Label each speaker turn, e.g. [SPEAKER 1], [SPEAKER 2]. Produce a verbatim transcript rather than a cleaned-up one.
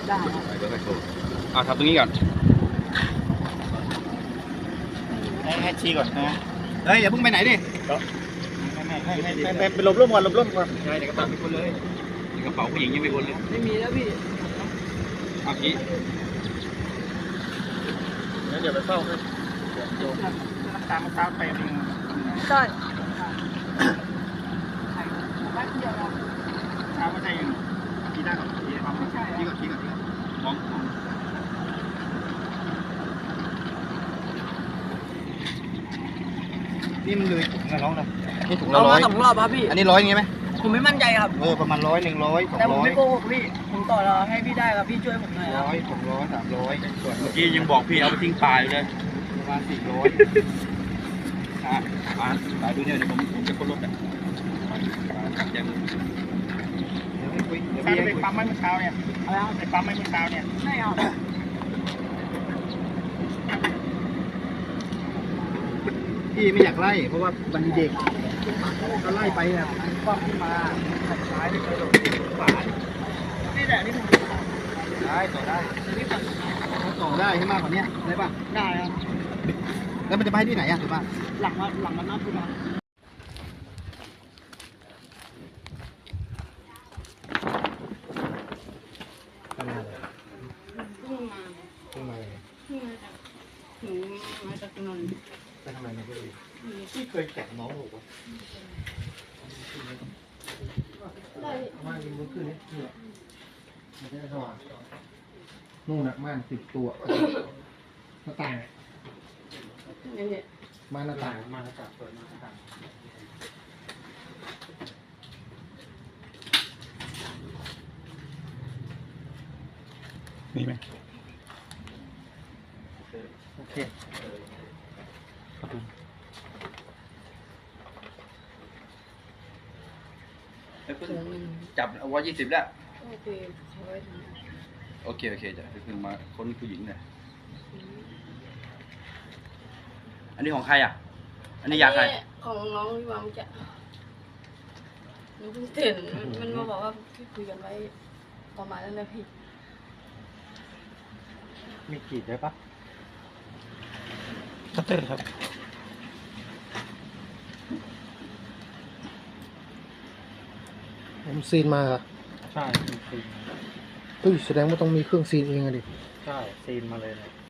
[SPEAKER 1] ได้ครับ
[SPEAKER 2] เดี๋ยวไปโชว์อ่าทำตรงนี้ก่อน
[SPEAKER 1] ให้ให้ชี้ก่อนนะเฮ้ยอย่าเพิ่งไปไหนดิไม่ไม่ไม่ไม่ไม่ไปหลบร่มก่อนหลบร่มก่อนใช่ในกระเป๋ามีคนเลย
[SPEAKER 2] ในกระเป๋าผู้หญิงยังไม่วนเลย
[SPEAKER 3] ไม่มีแล้วพี่
[SPEAKER 2] เอากี้
[SPEAKER 1] งั้นเดี๋ยวไปเฝ้าให้โยมน้ำตาลมะพร้าวไปเอง
[SPEAKER 3] ใช่
[SPEAKER 1] เช้าไม่ใช่ยังกินได้ก่อนกินได้ก่อนกินก่อนกินก่อนมองนี่มันเลยถุงละร้อยนะนี่ถุงละ
[SPEAKER 3] เอา
[SPEAKER 1] ร้อ
[SPEAKER 3] มาย สองรอบครับพี่
[SPEAKER 1] อันนี้ร้อยอย่างงี้ไหม
[SPEAKER 3] ผมไม่มั่นใจครับ
[SPEAKER 1] เออประมาณร้อยหนึ่งร้อยสอง
[SPEAKER 3] แต่ผม
[SPEAKER 1] ร้อย
[SPEAKER 3] ไม่โกหกพี่ผมต่อรอให้พี่ได้ครับพี่ช่วยผมหน่อยครับ
[SPEAKER 1] ร้อยสองร้อยสามร้อยส่วน
[SPEAKER 2] เมื่อกี้ยังบอกพี่เอาไปทิ้งปลายเลย
[SPEAKER 1] ประมาณสี่ร้อย
[SPEAKER 2] อ่ะอ่าปลายดูเนี่ยเดี๋ยวผมผมจะค้นรถอ่ะยัง
[SPEAKER 1] เดี๋ยวให้คุยเดี๋ยวพี่ให้คุยปั๊มไม่เมื่อเช้าเนี่ยอะไรครับไปปั๊มไม่เมื่อเช้าเนี่ย
[SPEAKER 3] ไม่เอา
[SPEAKER 1] พี่ไม่อยากไล่เพราะว่ามันมีเด็กก็ไล่ไปเนี่ยคว่ำขึ้นมาขัดซ้ายไม่เคยโดนขวา
[SPEAKER 3] นี่แหละนี่ผม
[SPEAKER 1] ได้ต่อได้ถ้าต่อได้ให้มากกว่านี้ได้ป่ะ
[SPEAKER 3] ได้ครับ
[SPEAKER 1] แล้วมันจะไปที่ไหนอ่ะถูกป่ะ
[SPEAKER 3] หลังมาหลังมานับดูมา
[SPEAKER 1] ทำงาน
[SPEAKER 3] เพิ่งมา
[SPEAKER 1] ทำไม
[SPEAKER 3] เพิ่งมาจากหนูมาจากนนท์
[SPEAKER 1] ไปทำไมในพี่พี่เคยแกะน้องหรือเปล่า
[SPEAKER 3] ได้
[SPEAKER 1] ม่านยิงบนขึ้นนี่นี่มันจะสว่างนู่นน่ะม่านสิบตัวหน้าต่าง
[SPEAKER 3] นี่เนี่ย
[SPEAKER 1] ม่านหน้าต่างม่านหน้าต่างเปิดม่านหน้าต่าง
[SPEAKER 2] มีไหม
[SPEAKER 1] โอเค
[SPEAKER 2] จับเอาไว้ยี่สิบแล้ว
[SPEAKER 3] โอเคเขาไว้ทำไม
[SPEAKER 2] โอเคโอเคจะเพิ่งมาค้นผู้หญิงเนี่ยอันนี้ของใครอ่ะ อันนี้ยาใคร
[SPEAKER 3] ของน้องพี่วางจะหนูเพิ่งตื่นมันมาบอกว่าพี่คุยกันไว้ประมาณนั้นนะพี่
[SPEAKER 1] มีขีดได้ปะ
[SPEAKER 2] คัตเตอร์ครับ
[SPEAKER 4] ผมซีนมาเหรอ
[SPEAKER 1] ใช่มีซีน
[SPEAKER 4] เฮ้ยแสดงว่าต้องมีเครื่องซีนเองอะดิ
[SPEAKER 1] ใช่ซีนมาเลยเนี่ย